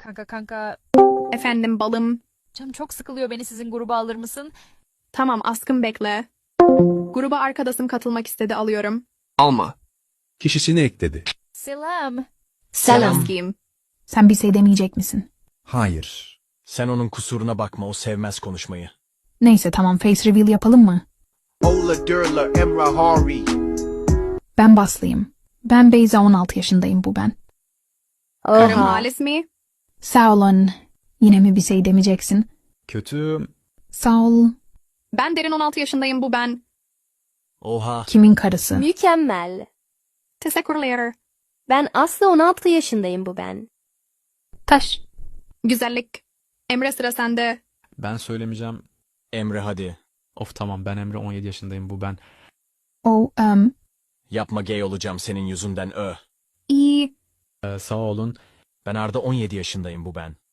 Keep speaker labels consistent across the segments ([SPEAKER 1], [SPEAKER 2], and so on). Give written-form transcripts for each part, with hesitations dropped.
[SPEAKER 1] Kanka.
[SPEAKER 2] Efendim balım.
[SPEAKER 1] Canım çok sıkılıyor, beni sizin gruba alır mısın?
[SPEAKER 2] Tamam askım bekle. Gruba arkadaşım katılmak istedi alıyorum.
[SPEAKER 3] Alma. Kişisini ekledi.
[SPEAKER 1] Selam.
[SPEAKER 4] Selam.
[SPEAKER 2] Askım.
[SPEAKER 4] Sen bir şey demeyecek misin?
[SPEAKER 3] Hayır.
[SPEAKER 5] Sen onun kusuruna bakma, o sevmez konuşmayı.
[SPEAKER 4] Neyse tamam face reveal yapalım mı?
[SPEAKER 6] Ola Durla Emra Hari.
[SPEAKER 4] Ben Baslıyım. Ben Beyza 16 yaşındayım bu ben.
[SPEAKER 2] Karım Halis mi?
[SPEAKER 4] Sağ olun. Yine mi bir şey demeyeceksin?
[SPEAKER 5] Kötü.
[SPEAKER 4] Sağ ol.
[SPEAKER 2] Ben Derin 16 yaşındayım bu ben.
[SPEAKER 5] Oha.
[SPEAKER 4] Kimin karısı?
[SPEAKER 7] Mükemmel.
[SPEAKER 2] Teşekkürler.
[SPEAKER 7] Ben Aslı 16 yaşındayım bu ben.
[SPEAKER 4] Taş.
[SPEAKER 2] Güzellik. Emre sıra sende.
[SPEAKER 8] Ben söylemeyeceğim.
[SPEAKER 5] Emre hadi.
[SPEAKER 8] Of tamam ben Emre 17 yaşındayım bu ben.
[SPEAKER 4] O,
[SPEAKER 5] Yapma, gay olacağım senin yüzünden
[SPEAKER 2] İyi.
[SPEAKER 8] Sağ olun.
[SPEAKER 5] Ben Arda 17 yaşındayım bu ben.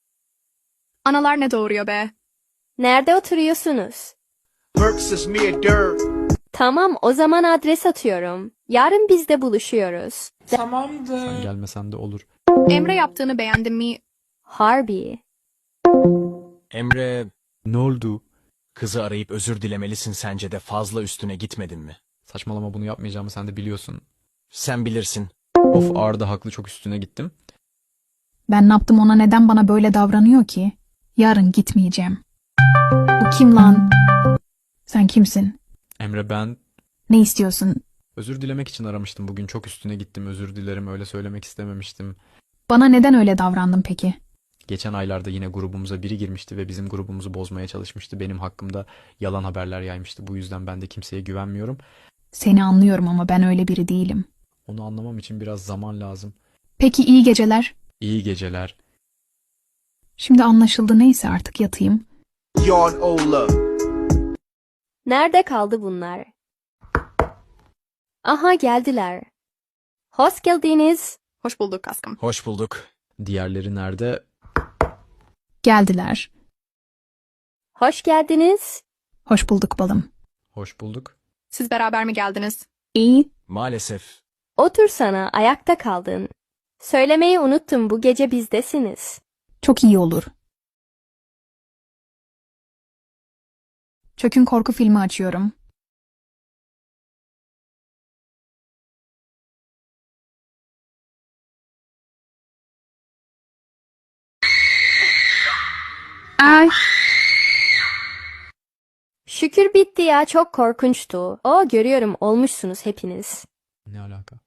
[SPEAKER 2] Analar ne doğuruyor be?
[SPEAKER 7] Nerede oturuyorsunuz?
[SPEAKER 6] Berks Mir Dur.
[SPEAKER 7] Tamam, o zaman adres atıyorum. Yarın biz de buluşuyoruz.
[SPEAKER 8] Sen gelmesen de olur.
[SPEAKER 2] Emre yaptığını beğendin mi?
[SPEAKER 7] Harbi.
[SPEAKER 5] Emre,
[SPEAKER 8] Ne oldu?
[SPEAKER 5] kızı arayıp özür dilemelisin, sence de fazla üstüne gitmedin mi?
[SPEAKER 8] Saçmalama, bunu yapmayacağımı sen de biliyorsun.
[SPEAKER 5] Sen bilirsin.
[SPEAKER 8] Of Arda haklı, çok üstüne gittim.
[SPEAKER 4] ben ne yaptım ona, neden bana böyle davranıyor ki? Yarın gitmeyeceğim. Bu kim lan? Sen kimsin?
[SPEAKER 8] Emre ben
[SPEAKER 4] Ne istiyorsun?
[SPEAKER 8] özür dilemek için aramıştım bugün, çok üstüne gittim, özür dilerim, öyle söylemek istememiştim.
[SPEAKER 4] Bana neden öyle davrandın peki?
[SPEAKER 8] Geçen aylarda yine grubumuza biri girmişti ve bizim grubumuzu bozmaya çalışmıştı. Benim hakkımda yalan haberler yaymıştı. Bu yüzden ben de kimseye güvenmiyorum.
[SPEAKER 4] Seni anlıyorum ama ben öyle biri değilim.
[SPEAKER 8] Onu anlamam için biraz zaman lazım.
[SPEAKER 4] Peki iyi geceler.
[SPEAKER 8] İyi geceler.
[SPEAKER 4] Şimdi anlaşıldı, neyse artık yatayım.
[SPEAKER 6] Yon Ola.
[SPEAKER 7] Nerede kaldı bunlar? Aha, geldiler. Hoş geldiniz.
[SPEAKER 2] Hoş bulduk askım.
[SPEAKER 5] Hoş bulduk.
[SPEAKER 8] Diğerleri nerede?
[SPEAKER 4] Geldiler.
[SPEAKER 7] Hoş geldiniz.
[SPEAKER 4] Hoş bulduk balım.
[SPEAKER 8] Hoş bulduk.
[SPEAKER 2] Siz beraber mi geldiniz?
[SPEAKER 4] İyi.
[SPEAKER 5] Maalesef.
[SPEAKER 7] Otursana, ayakta kaldın. Söylemeyi unuttum, bu gece bizdesiniz.
[SPEAKER 4] Çok iyi olur. Çökün korku filmi açıyorum. Ay,
[SPEAKER 7] Şükür bitti ya, çok korkunçtu. O, görüyorum olmuşsunuz hepiniz.
[SPEAKER 8] Ne alaka?